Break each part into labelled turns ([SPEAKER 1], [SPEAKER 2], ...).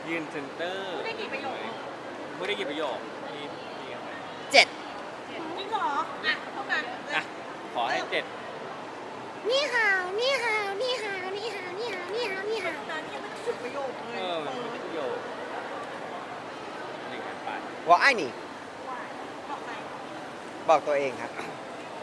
[SPEAKER 1] ยืนเซนเตอร์
[SPEAKER 2] พูดได้กี่ประโยค
[SPEAKER 1] พูดได้กี่ประโยคที่
[SPEAKER 3] 7
[SPEAKER 2] จริงเหรออ่ะเท่ากัน
[SPEAKER 1] อ่ะขอให้7
[SPEAKER 3] นี่ฮาวนี่ฮาวนี่ฮาวนี่ฮาวนี่ฮาวนี่ฮาวนี่ฮาว
[SPEAKER 2] ตอนนี้ยังไม่ต้องถึงประโยคเลย
[SPEAKER 1] มันไม่ได้ประโยค1,000 บาท
[SPEAKER 3] 我爱你
[SPEAKER 2] บอกไป
[SPEAKER 3] บอกตัวเองครับ
[SPEAKER 2] อ่ะ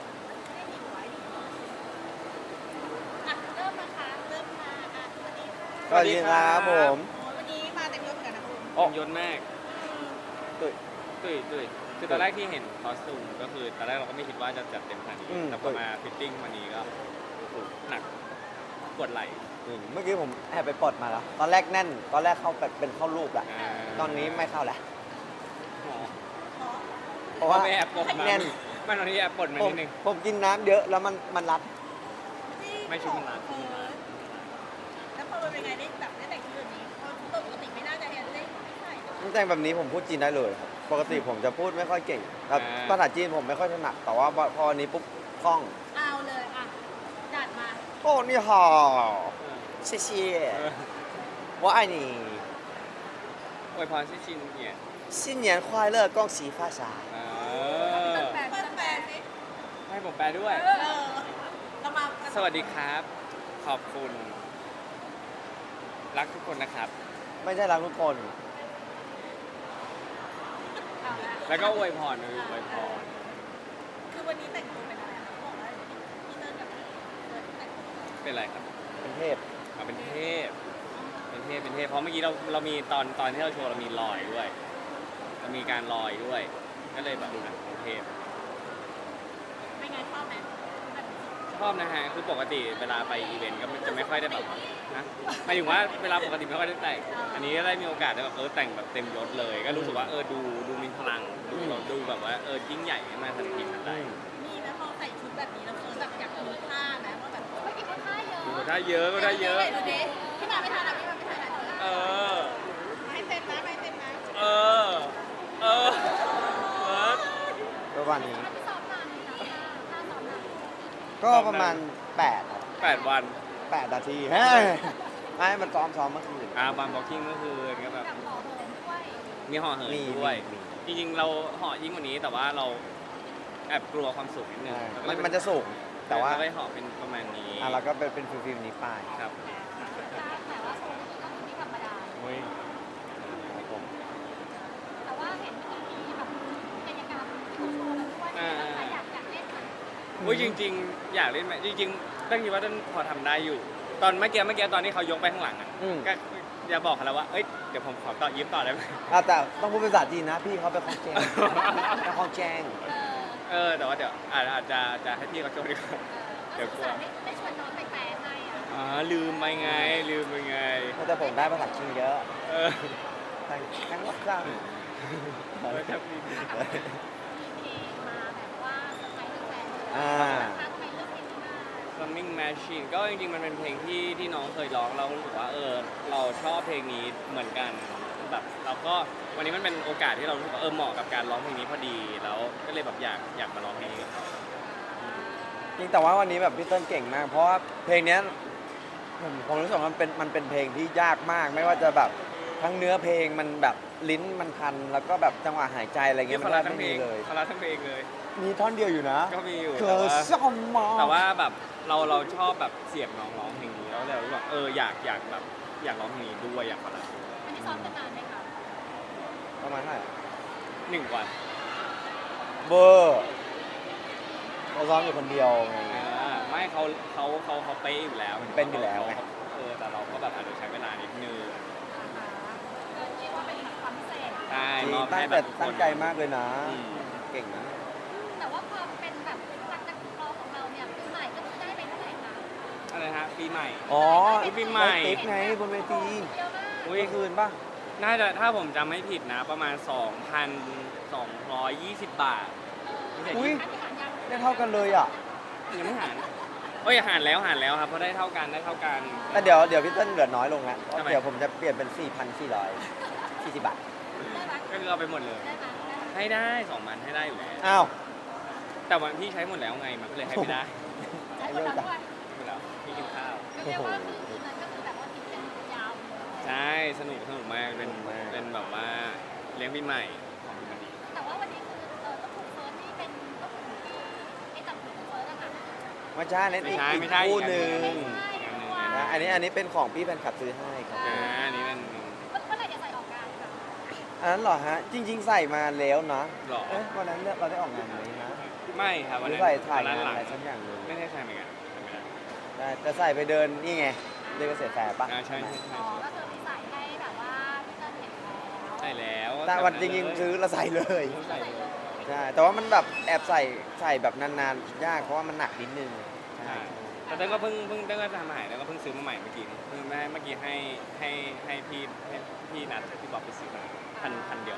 [SPEAKER 2] เริ่มนะคะเริ่มมาอ่ะสวัสดีค่ะ
[SPEAKER 3] สวัสดีครับผม
[SPEAKER 2] โอ้ยวันนี้มาเต็มยศเหมือนกันนะคุณ
[SPEAKER 1] เต็มยศมาก
[SPEAKER 3] ตุ้ย
[SPEAKER 1] ตุ้ยคือตอนแรกที่เห็นคอสตูมก็คือตอนแรกเราก็ไม่คิดว่าจะจัดเต็มขนาดนี้แต่พอมาฟิตติ้งวันนี้ก็หนักปวดไหล่
[SPEAKER 3] เมื่อกี้ผมแอบไปปลดมาแล้ว ตอนแรกแน่น ตอนแรกเข้าแบบเป็นเข้ารูปแหละ
[SPEAKER 1] า
[SPEAKER 3] ตอนนี้ไม่เข้าแล้ว
[SPEAKER 1] หมอ
[SPEAKER 3] เพราะว่า
[SPEAKER 1] ไม่แอบปลดมา
[SPEAKER 3] แน่น
[SPEAKER 1] มันตอนนี้แอบปลดมา
[SPEAKER 3] ผม
[SPEAKER 1] นิดนึง
[SPEAKER 3] ผมกินน้ำเยอะแล้วมันรัด
[SPEAKER 1] ไม่ชุดมันรัด
[SPEAKER 2] แล้วพอมันเป็นไงได้แบบได้แต่งชุดแบบนี้เพราะปกติไม่น่าจะเห็นได้ใส่
[SPEAKER 3] แต่งแบบนี้ผมพูดจีนได้เลยครับปกติผมจะพูดไม่ค่อยเก่งแบบภาษาจีนผมไม่ค่อยถนัด แต่ว่าพออันนี้ปุ๊บคล่อง
[SPEAKER 2] เอาเลยอ่ะจัดมา
[SPEAKER 3] โอ้นี่ฮาว谢谢我爱你
[SPEAKER 1] อวยพรที่ชินเนี่ย
[SPEAKER 3] 新年快乐恭喜发财
[SPEAKER 2] แปลสิ
[SPEAKER 1] ให้ผมแปลด้วย
[SPEAKER 2] เรามา
[SPEAKER 1] สวัสดีครับ ขอบคุณ รักทุกคนนะครับ
[SPEAKER 3] ไม่ใช่รักทุกคน
[SPEAKER 1] แล้วก็อวยพรอวยพร
[SPEAKER 2] คือวันนี้แต่งตัวเป็นอะไรคะบอกว่าพี่เติ้ลกับพี่เฟิร์นแต่งตัว
[SPEAKER 1] เป็นอะไรครับ
[SPEAKER 3] เป็นเทพ
[SPEAKER 1] เอาเป็นเทพ เป็นเทพ เพราะเมื่อกี้เรามีตอนที่เราโชว์เรามีลอยด้วย เรามีการลอยด้วย ก็เลยแบบอ่ะเป็นเทพ
[SPEAKER 2] เป็นไงชอบไหมแบบ
[SPEAKER 1] ชอบนะฮะ คือปกติเวลาไปอีเวนต์ก็จะไม่ค่อยได้แบบนะหมายถึงว่าเวลาปกติไม่ค่อยได้แต่ง อันนี้ก็ได้มีโอกาสได้แบบแต่งแบบเต็มยศเลย ก็รู้สึกว่าดูมีพลัง ดูแบบว่ายิ่งใหญ่มาทันทีทันใด
[SPEAKER 2] มีไหมพอใส่ชุดแบบนี้เราเฟิร์นแบบอยากมีท่าไหมว่าแบบเฮ้ยมีท่าเยอะ
[SPEAKER 1] ดูได้เยอะก็ได้เยอะ
[SPEAKER 2] ดูดิพี่มาไม่ทันอ่ะพี่มาไม่ทันอ่ะ
[SPEAKER 1] เออ
[SPEAKER 2] ให้เต็มนะให้เต็มนะ
[SPEAKER 1] เออ เออเบิร์ด
[SPEAKER 3] ประมาณนี้
[SPEAKER 2] พี่ซ้อมนานเลยนะท่าซ้อมนาน
[SPEAKER 3] ก็ประมาณ8ครับ
[SPEAKER 1] 8 วัน
[SPEAKER 3] 8นาทีเฮ้ยไม่มันซ้อมเมื่อคืน
[SPEAKER 1] บางบอกกิ้งเมื่อคืนก็แบบ
[SPEAKER 2] แบบหอเหินด้วย
[SPEAKER 1] มีห่อเหิน
[SPEAKER 3] มี
[SPEAKER 1] ด้วย
[SPEAKER 3] มี
[SPEAKER 1] จริงๆ เราห่อยิ่งกว่านี้แต่ว่าเราแอบกลัวความสูงนิดนึง
[SPEAKER 3] ใช่
[SPEAKER 1] แล้วก็เลย
[SPEAKER 3] มันจะสูง แต่ว่า
[SPEAKER 1] เราก็เลยห่อเป็นประมาณนี้
[SPEAKER 3] เราก็เป็นฟิลนี้ไป
[SPEAKER 1] ครับ
[SPEAKER 2] แต่ว่าโชว์นี้ก็คือไม่ธรรมดา
[SPEAKER 1] โอ้ย
[SPEAKER 2] แต่ว่าเห็นเมื่อกี้มีแบบกายกรรมโชว์แบบด้วยอยากเล่นไหม
[SPEAKER 1] อุ้ยจริงๆ อยากเล่นไหมจริงๆตั้งคิดว่าต้นพอทำได้อยู่ ตอนเมื่อกี้ตอนที่เขายกไปข้างหลังอ่ะ
[SPEAKER 3] อืม
[SPEAKER 1] ก็อย่าบอกเขาแล้วว่าเอ้ยเดี๋ยวผมขอต่อยิ้มต่อได้ไหม
[SPEAKER 3] แต่ต้องพูดเป็นภาษาจีนนะ พี่เขาเป็นของแจงเป็นของแจง
[SPEAKER 1] แต่ว่าเดี๋ยวอาจจะให้พี่เขาโชว์ดีกว่าเดี๋ยวกลัว
[SPEAKER 2] ได้ชวนน้องไปแปลให้อ่ะ
[SPEAKER 1] ลืมไปไง
[SPEAKER 3] แต่ผมได้ภาษาจีนเยอะ
[SPEAKER 1] เออ
[SPEAKER 3] ทั้งวัดจัง
[SPEAKER 1] ครับพี่
[SPEAKER 2] มีเพลงมาแบบว่าเซอร์ไพรส์แฟนๆ
[SPEAKER 3] อ่า
[SPEAKER 2] ทำไมเลือกเพลงนี้มา
[SPEAKER 1] Coming Machine ก็จริงๆ มันเป็นเพลงที่น้องเคยร้องเราก็รู้สึกว่าเราชอบเพลงนี้เหมือนกันแบบเราก็วันนี้มันเป็นโอกาสที่เรารู้สึกว่าเหมาะกับการร้องเพลงนี้พอดีแล้วก็เลยแบบอยากมาร้องเพลงนี้กับเขา
[SPEAKER 3] จริงแต่ว่าวันนี้แบบพี่เติ้ลเก่งมาก เพราะว่าเพลงเนี้ยผมรู้สึกว่ามันเป็นเพลงที่ยากมาก ไม่ว่าจะแบบทั้งเนื้อเพลงมันแบบลิ้นมันพันแล้วก็แบบจังหวะหายใจอะไรเงี้ยมันแทบไม่มีเลย
[SPEAKER 1] เขารักทั้งเพลงเลย
[SPEAKER 3] มีท่อนเดียวอยู่นะ
[SPEAKER 1] ก็มีอยู่
[SPEAKER 3] เธ
[SPEAKER 1] แต่
[SPEAKER 3] อ
[SPEAKER 1] ว่า
[SPEAKER 3] ซ่อมมา
[SPEAKER 1] แต่ว่าแบบเราชอบแบบเสียงน้องร้องเพลงนี้แล้วเราแบบอยากแบบอยากร้องเพลงนี้ด้วยอยากฟัง
[SPEAKER 2] อันนี้ซ้อมกันนานไหมคะ
[SPEAKER 3] ประมาณเท่าไหร่
[SPEAKER 1] 1 วัน
[SPEAKER 3] เบอร์เราซ้อมอยู่คนเดียวไง
[SPEAKER 1] ไม่เขาเป๊ะอยู่แล้ว
[SPEAKER 3] เป็นอยู่แล้วไง
[SPEAKER 1] แต่เราก็แบบอาจจะใช้เวลานิดนึง
[SPEAKER 2] เรียกว่าเป็นแบบความพิเศษ
[SPEAKER 1] ใช่
[SPEAKER 3] จริ
[SPEAKER 1] ม
[SPEAKER 3] ง
[SPEAKER 1] อบ
[SPEAKER 3] ตั้
[SPEAKER 1] ให้
[SPEAKER 3] ง
[SPEAKER 1] แบ
[SPEAKER 3] แต่
[SPEAKER 1] บทุกคน
[SPEAKER 3] ตั้งใจมากเลยนะ
[SPEAKER 1] อืม
[SPEAKER 3] เก่งนะ
[SPEAKER 2] แต่ว่าพอเป็นแบบวันนักร้องของเราเนี่ยปีใหม่ก็คือได้ไปเท่าไหร่คะ
[SPEAKER 1] อะไรฮะปีใหม่
[SPEAKER 3] อ๋อ
[SPEAKER 1] ปีใหม่
[SPEAKER 3] ได้ติ๊กไงบนเวที
[SPEAKER 2] เยอะมาก
[SPEAKER 1] อุ้ย
[SPEAKER 3] เมื่อคืนป่ะ
[SPEAKER 1] น่าจะถ้าผมจำไม่ผิดนะ ประมาณ 2,220 บาทไม่ใช่
[SPEAKER 3] อุ้ย
[SPEAKER 2] อันที่หารยัง
[SPEAKER 3] ได้เท่ากันเลยอ่ะ
[SPEAKER 1] ยังไม่หารหารแล้วครับเพราะได้เท่ากัน
[SPEAKER 3] แต่เดี๋ยวพี่เติ้ลเหลือน้อยลงแล้ว
[SPEAKER 1] ทำไม
[SPEAKER 3] เดี๋ยวผมจะเปลี่ยนเป็น 4,440 บาท
[SPEAKER 2] ได้ไหม
[SPEAKER 1] ก็คือเอาไปหมดเลย
[SPEAKER 2] ได้ไหม
[SPEAKER 1] ให้ได้2 มันให้ได้อยู่แล้ว
[SPEAKER 3] อ้าว
[SPEAKER 1] แต่วันพี่ใช้หมดแล้วไงมันก็เลยให้ไม่ได้
[SPEAKER 2] ใช้หมดทั้งวัน
[SPEAKER 1] ไม่เป็นไรพี่กินข้าว
[SPEAKER 2] ก็เรียกว่าคืนนั้นก็คือแบบว่ากินกันยาวเลย
[SPEAKER 1] ใช่สนุกมากเป็น
[SPEAKER 3] สนุกมาก
[SPEAKER 1] เป็นแบบว่าเลี้ยงปีใหม่ของปีใหม่
[SPEAKER 2] แต่ว่าวันนี้คือต้องถูกเฟิร์สนี่เป็นต้องถูกที่ไอ้จับถูกเฟิร์สอะค่ะ
[SPEAKER 3] ไม่ใช่นั่น
[SPEAKER 1] ไม่
[SPEAKER 3] อีก
[SPEAKER 1] ใช่
[SPEAKER 3] อีก
[SPEAKER 1] ไม่ใช่
[SPEAKER 3] คู่
[SPEAKER 1] อีกอัน
[SPEAKER 3] หนึ่ง
[SPEAKER 1] หนึ่ง
[SPEAKER 3] นะอันนี้เป็นของพี่แฟนคลับซื้อให้ครับ
[SPEAKER 1] อันนี้เป็น
[SPEAKER 2] เมื่อไหร่จะใส่ออกงานค่ะ
[SPEAKER 3] อันนั้นเหรอฮะ จริง ๆ ใส่มาแล้วนะ
[SPEAKER 1] หล่อ
[SPEAKER 3] เอ๊ะวันนั้นเราได้ออกงานไหมนะ
[SPEAKER 1] ไม่ครับ
[SPEAKER 3] ห
[SPEAKER 1] วัน
[SPEAKER 3] รือ
[SPEAKER 1] นั้น
[SPEAKER 3] ใส่ถ่าย
[SPEAKER 1] วัน
[SPEAKER 3] งาน
[SPEAKER 1] นั้นหลัง
[SPEAKER 3] อะไรสักอย่างหนึ่ง
[SPEAKER 1] ไม่ได้ใช่เหมือนกันจำไม่ได้
[SPEAKER 3] ได้แต่ใส่ไปเดินนี่ไงเดินเกษตรแฟร์ปะ
[SPEAKER 1] ใช่
[SPEAKER 2] อ๋อก็คือมีใส่ให้แบบว่าพี่เติ้ลเห็นแล้ว
[SPEAKER 1] ใช่แล้ว
[SPEAKER 3] แต่วันจริงๆซื้อแล้วใส่เลย
[SPEAKER 1] ใส่เลย
[SPEAKER 3] ใช่แต่ว่ามันแบบแอบใส่แบบนานๆยากเพราะว่ามันหนักนิดนึงใช่
[SPEAKER 1] ใช่แต่เต้นก็เพิ่งเต้นก็ทำใหม่แล้วก็เพิ่งซื้อมาใหม่เมื่อกี้เพิ่งเมื่อกี้ให้พี่นัดพี่บอกไปซื้อมาพันเดียว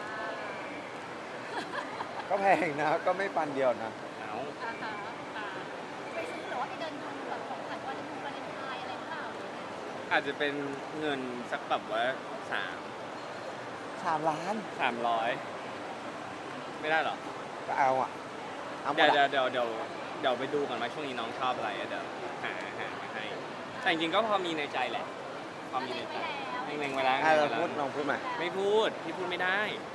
[SPEAKER 3] ก็แพงนะก็ไม่ปันเดียวนะ
[SPEAKER 1] เอา
[SPEAKER 2] อ่าฮะไปซื้อหรือว่าไปเดินดูแบบของขวัญวาเลนไทน์อะไรหรือเปล่า
[SPEAKER 1] อาจจะเป็นเงินสักแบบว่า
[SPEAKER 3] 3 ล้าน
[SPEAKER 1] 300ไม่ได้หรอ
[SPEAKER 3] ก็เอาอ่ะเอาหม
[SPEAKER 1] เดี๋ย
[SPEAKER 3] ด
[SPEAKER 1] ว
[SPEAKER 3] อะ
[SPEAKER 1] เดี๋ยวไปดูก่อนว่าช่วงนี้น้องชอบอะไรเดี๋ยวหามาให้แต่จริงๆก็พอมีในใจแหละพอมีในใจเล็งๆไว้แล้ว
[SPEAKER 3] อ่ะเรา
[SPEAKER 1] เล็งๆไว้
[SPEAKER 3] พูดล
[SPEAKER 1] แล้ว
[SPEAKER 3] องพูดมา
[SPEAKER 1] ไม่พูดพี่พูดไม่ได้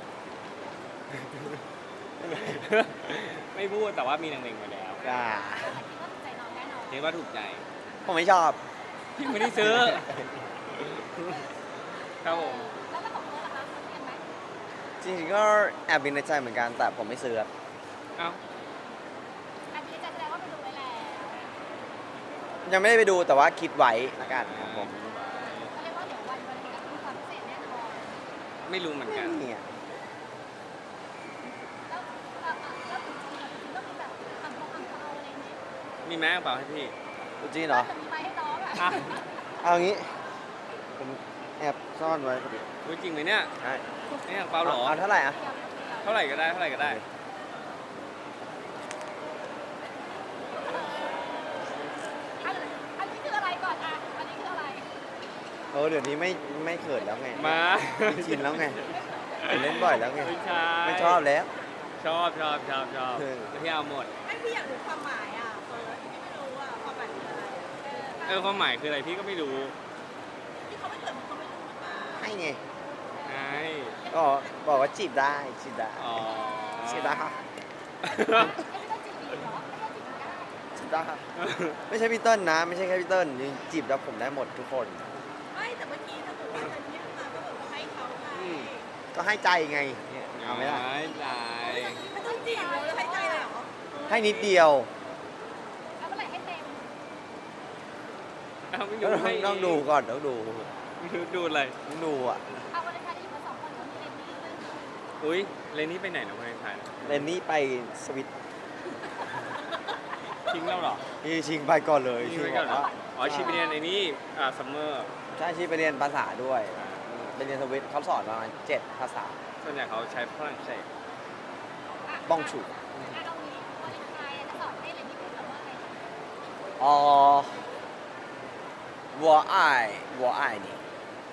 [SPEAKER 1] ไม่พูดแต่ว่ามีเล็งๆไว้แล้ว
[SPEAKER 3] อ่า
[SPEAKER 2] คิดว่าถูกใจน้องแน่นอน
[SPEAKER 1] คิดว่าถูกใจ
[SPEAKER 3] ผมไม่ชอบ
[SPEAKER 1] พี่ไม่ได้ซื้อ ครับผม
[SPEAKER 2] แล้วของเฟิร์สล่ะคะเฟิร์สเห็นไหม
[SPEAKER 3] จริงๆก็แอบมีในใจเหมือนกันแต่ผมไม่ซื้อครับ
[SPEAKER 1] เอ้า
[SPEAKER 2] อันนี้จะแสดงว่าไปดูไว้แล้ว
[SPEAKER 3] ยังไม่ได้ไปดูแต่ว่าคิดไว้ละกันครับผม
[SPEAKER 2] ก็เรียกว่าเดี๋ยววันนี้ก็มีความพิเศษแน่นอน
[SPEAKER 1] ไม่รู้เหมือนกัน
[SPEAKER 3] เนี่ย
[SPEAKER 2] แล้วถึงต้องมีแบบอ่างเปาอะไรอย่างเงี้ย
[SPEAKER 1] มีแม่เปล่าให้พี่
[SPEAKER 3] จริงเหรอ
[SPEAKER 2] จะมีไม้ให้น้องอ่ะ
[SPEAKER 1] อ่ะ
[SPEAKER 3] เอางี้ผมแอบซ่อนไว้
[SPEAKER 1] รู้จริงไหมเนี่ย
[SPEAKER 3] ใช่
[SPEAKER 1] นี่อย่างเปล่าเหรอ
[SPEAKER 3] เอาเท่าไหร่อ่ะ
[SPEAKER 1] เท่าไหร่ก็ได้เท่าไหร่ก็ได้
[SPEAKER 2] อันนี้คืออะไรก่อนอ่ะอันนี้คืออะไร
[SPEAKER 3] เดี๋ยวนี้ไม่เขินแล้วไง
[SPEAKER 1] มา
[SPEAKER 3] ชินแล้วไงเล่นบ่อยแล้วไง
[SPEAKER 1] ไม่ใช่
[SPEAKER 3] ไม่ชอบแล้ว
[SPEAKER 1] ชอบ
[SPEAKER 3] เออ
[SPEAKER 1] พี่เอาหมด
[SPEAKER 2] ให้พี่อยากรู้ความหมายอ่ะเฟิร์สพี่ไม่รู้อ่ะความหมายคืออะไร
[SPEAKER 1] ความหมายคืออะไรพี่ก็ไม่รู้
[SPEAKER 2] ที่เขาไม่เกิดเขาไม่รู้หรือเปล่า
[SPEAKER 3] ให้ไง
[SPEAKER 1] ไง
[SPEAKER 3] ก็บอกว่าจีบได้จีบได้
[SPEAKER 1] อ๋อ
[SPEAKER 3] จีบได้
[SPEAKER 2] ไม่ต้องจีบดีหรอไม่ต้องจีบได้
[SPEAKER 3] จีบได้ไม่ใช่พี่เติ้ลนะ ไม่ใช่แค่พี่เติ้ลจริงๆจีบแล้วผมได้หมดทุกคน
[SPEAKER 2] ไม่แต่เมื่อกี้ถ้าบอกว่าเงินที่มาก็แบบให้เขาไง
[SPEAKER 3] ก็ให้ใจไงเนี่ยเอาไหมล่ะ
[SPEAKER 1] ได้
[SPEAKER 2] ไม่ต้องจีบเลยให้ใจเลยเหรอ
[SPEAKER 3] ให้นิดเดียว
[SPEAKER 2] แล้วเมื่อไหร่ให้เต็ม
[SPEAKER 1] เอาไม่
[SPEAKER 3] ต้
[SPEAKER 1] รู้ให้
[SPEAKER 3] องดูก่อนต้องดู
[SPEAKER 1] ดูอะไร
[SPEAKER 3] ต้องดูอ่ะ
[SPEAKER 2] เอาวันนี้ที่อยู่กันสองคนกับพี่เรนนี่ด้วย
[SPEAKER 1] อุ้ยเลนนี่ไปไหนนะวันไทย
[SPEAKER 3] เรนนี่ไปสวิต
[SPEAKER 1] ทิ้งเราเหรอ
[SPEAKER 3] ที่ชิงไปก่อนเลย
[SPEAKER 1] ทิ้งไว้ก่อนเหรออ๋อชีไปเรียนไอ้นี่ซัมเมอร์
[SPEAKER 3] ใช่ชิไปเรียนภาษาด้วยไปเรียนสวิตเขาสอนประมาณ7 ภาษา
[SPEAKER 1] ส่วนใหญ่เขาใช้ฝรั่งเศส
[SPEAKER 3] บ้องฉุ
[SPEAKER 2] เอางี้วันนี้ใครจะสอนให้เรนนี่พูดคำว่าอะไร
[SPEAKER 3] อ๋อวัวอ้ายนี่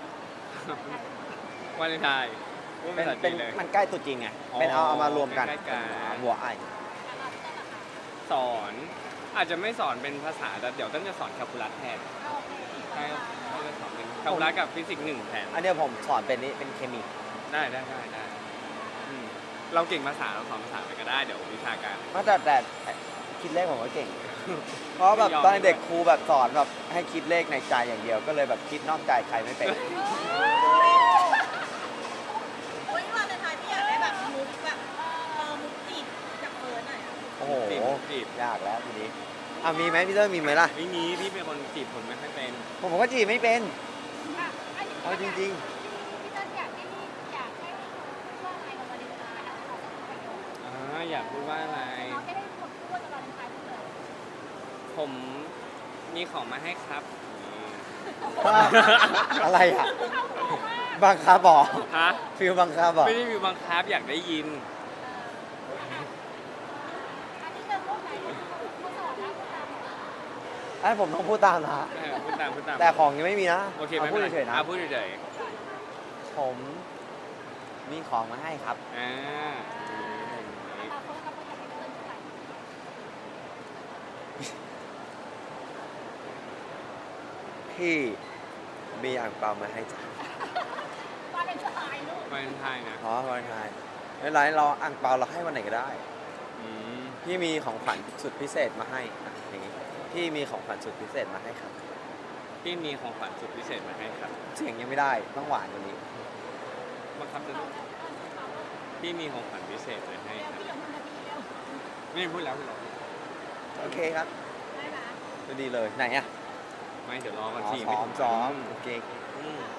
[SPEAKER 1] วันไทยพูด
[SPEAKER 3] เป็
[SPEAKER 1] ภาน ษา
[SPEAKER 3] เป็
[SPEAKER 1] จี
[SPEAKER 3] น
[SPEAKER 1] นเลย
[SPEAKER 3] มันใกล้ตัวจริงไง
[SPEAKER 1] อ๋อ
[SPEAKER 3] เป็นเอามารวมกัน
[SPEAKER 1] ใกล้ๆกัน
[SPEAKER 3] วัวอ้าย
[SPEAKER 1] สอนอาจจะไม่สอนเป็นภาษาแต่เดี๋ยวต้นจะสอนแคลคูลัสแทน
[SPEAKER 2] โอเค
[SPEAKER 1] ใช่ต้นจะสอนเป็นแคลคูลัสกับฟิสิกส์หนึ่งแทน
[SPEAKER 3] อันเนี้ยผมสอนเป็นนี่เป็นเคมี
[SPEAKER 1] ได้อืมเราเก่งภาษาเราสอนภาษาไปก็ได้เดี๋ยววิชาการ
[SPEAKER 3] แต่คิดเลขผมก็เก่ง เพราะแบบ
[SPEAKER 1] ไม่ยอม
[SPEAKER 3] ตอนเด็กครูแบบสอนแบบให้คิดเลขในใจอย่างเดียว ก็เลยแบบคิดนอกใจใครไม่เป็น
[SPEAKER 2] โอ้ยวันไทยที่อยากได้แบบมุกแบบมุกจีบจากเฟิร์สหน่อย
[SPEAKER 3] โอ้โห
[SPEAKER 1] จีบ
[SPEAKER 3] ยากแล้วทีนี้มีไหมพี่เตอร์มีไหมล่ะ
[SPEAKER 1] ไม่มีพี่เป็นคนจีบผมไม่ค่อยเป็น
[SPEAKER 3] ผมก็จีบไม่เป็น เอาจริง
[SPEAKER 2] พี่เติ้ลอยากให้ว่าอะไรกับวาเลนไทน์ขอสักประโยค
[SPEAKER 1] อยากพูดว่าอะไร
[SPEAKER 2] เราแค่ได้คนพูดกับวาเลนไทน์พูดเลย
[SPEAKER 1] ผมมีของมาให้ครับ
[SPEAKER 3] ๆ อะไรอ่ะ บังคับบอก
[SPEAKER 1] ฮะ
[SPEAKER 3] ฟิลบังคับบอก
[SPEAKER 1] ไม่ได้มีบังคับอยากได้ยิน
[SPEAKER 2] อันนี้เป็นพวกไหนเขาสอนนะพูดตาม
[SPEAKER 3] อันผมต้องพูดตามนะ
[SPEAKER 1] พูดตาม
[SPEAKER 3] แต่ของยังไม่มีนะ
[SPEAKER 1] โอเค
[SPEAKER 3] เอา
[SPEAKER 1] ไม่
[SPEAKER 3] พู
[SPEAKER 1] เป็
[SPEAKER 3] ด
[SPEAKER 1] นไร
[SPEAKER 3] เฉยๆนะ
[SPEAKER 1] พูดเฉย
[SPEAKER 3] ผมมีของมาให้ครับ
[SPEAKER 1] ๆ
[SPEAKER 2] เราคนกับคนอยากให้เติ้ลพูดอะไร
[SPEAKER 3] พี่มีอ่างเปามาให้จ้ะ
[SPEAKER 1] เลนไทน์นะ
[SPEAKER 3] อ๋อวันไทน์ไม่เป็นไรเราอ่างเปาเราให้วันไหนก็ได้
[SPEAKER 1] อืม
[SPEAKER 3] พี่มีของขวัญสุดพิเศษมาให้อ่ะอย่างงี้พี่มีของขวัญสุดพิเศษมาให้ครับ
[SPEAKER 1] พี่มีของขวัญสุดพิเศษมาให้ครับ
[SPEAKER 3] เสียงยังไม่ได้ต้องหวานกว่านี้
[SPEAKER 1] บังคับจะลูกพี่มีของขวัญพิเศษมาให้ครับไม่พูดแล้วพูดแล้ว
[SPEAKER 3] โอเคครับก็ดีเลยไหนอ่ะ
[SPEAKER 1] ไม่เดี๋ยวรอก่อน
[SPEAKER 3] อ๋อ
[SPEAKER 1] สิ
[SPEAKER 3] ซ้
[SPEAKER 1] ไม่
[SPEAKER 3] อ
[SPEAKER 1] ถึ
[SPEAKER 3] ม
[SPEAKER 1] ง
[SPEAKER 3] ซ้อมโอเค
[SPEAKER 1] อืม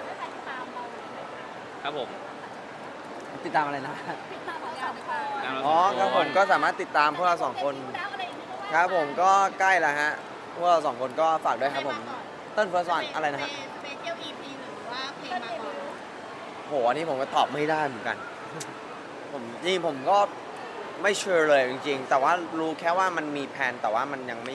[SPEAKER 1] ครับผม
[SPEAKER 3] ติดตามอะไรนะ
[SPEAKER 1] ตามเรา
[SPEAKER 3] อ๋อ
[SPEAKER 1] สง
[SPEAKER 3] ครับผมก็สามารถติดตามพวกเราสองคนครับผมก็ใกล้แล้วฮะพวกเราสองคนก็ฝากด้วยครับผมเต้นเฟิร์สวันอะไรนะฮะ
[SPEAKER 2] สเปเชียล EP หรือว่าเพลงมาก่อน
[SPEAKER 3] โหอันนี้ผมก็ตอบไม่ได้เหมือนกัน ผมจริงผมก็ไม่เชื่อเลยจริงๆ แต่ว่ารู้แค่ว่ามันมีแผนแต่ว่ามันยังไม่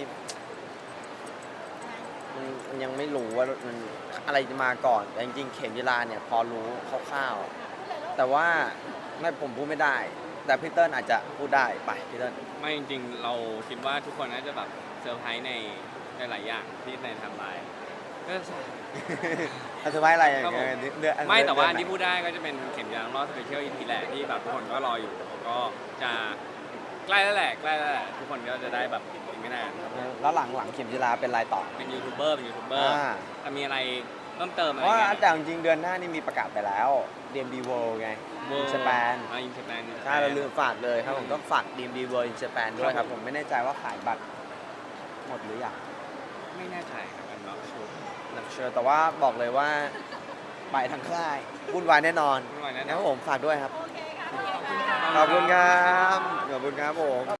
[SPEAKER 3] มันยังไม่รู้ว่ามันอะไรจะมาก่อนแต่จริงๆเข็มยีราเนี่ยพอรู้คร่าวๆแต่ว่าไม่ผมพูดไม่ได้ แต่พี่เติ้ลอาจจะพูดได้ไปพี่เติ้ล
[SPEAKER 1] ไม่จริงๆ เราคิดว่าทุกคนน่าจะแบบเซอร์ไพรส์ในหลายอย่างที่ในไทม์ไลน์ก็
[SPEAKER 3] อันสุดท้ายอะไรอย่าง
[SPEAKER 1] ครับผ
[SPEAKER 3] เงี้
[SPEAKER 1] ม
[SPEAKER 3] ยเดือน
[SPEAKER 1] ไม่แต่ว่าอัน
[SPEAKER 3] เดื
[SPEAKER 1] ที่พูดได้ก็จะเป็นเข็มยางรอดสเปเชียลอีพีแหละที่แบบทุกคนก็รออยู่ก็จะใกล้แล้วแหละใกล้แล้วแหละทุกคนก็จะได้แบบอีกไม่นานครับ
[SPEAKER 3] แล้วหลังเข็มยีราเป็นรายต่อ
[SPEAKER 1] เป็นยูทูบเบอร์ถ้ามีอะไรเพิ่มเติมอะ
[SPEAKER 3] เพ
[SPEAKER 1] ไร
[SPEAKER 3] ราะว่า
[SPEAKER 1] เงี้ย
[SPEAKER 3] แต่จริงๆเดือนหน้านี่มีประกาศไปแล้ว DMD World ไง
[SPEAKER 1] World
[SPEAKER 3] สแปน
[SPEAKER 1] อินสแปน
[SPEAKER 3] ใช่เราลืมฝากเลยครับผมต้องฝาก DMD World in Japan ด้วยครับผมไม่แน่ใจว่าขายบัตรหมดหรือยัง
[SPEAKER 1] ไม่แน่ใจครับอันน็อตชัวร์
[SPEAKER 3] นักเชื่อแต่ว่าบอกเลยว่าไปทั้งค่ายวุ่นวายแน่นอน
[SPEAKER 1] ไม่ไหวแน่น
[SPEAKER 3] นะ
[SPEAKER 1] อ
[SPEAKER 3] คน รับผมฝากด้วยครับ
[SPEAKER 2] โอเคค่ะ
[SPEAKER 3] ขอบคุณครับขอบคุณครับผม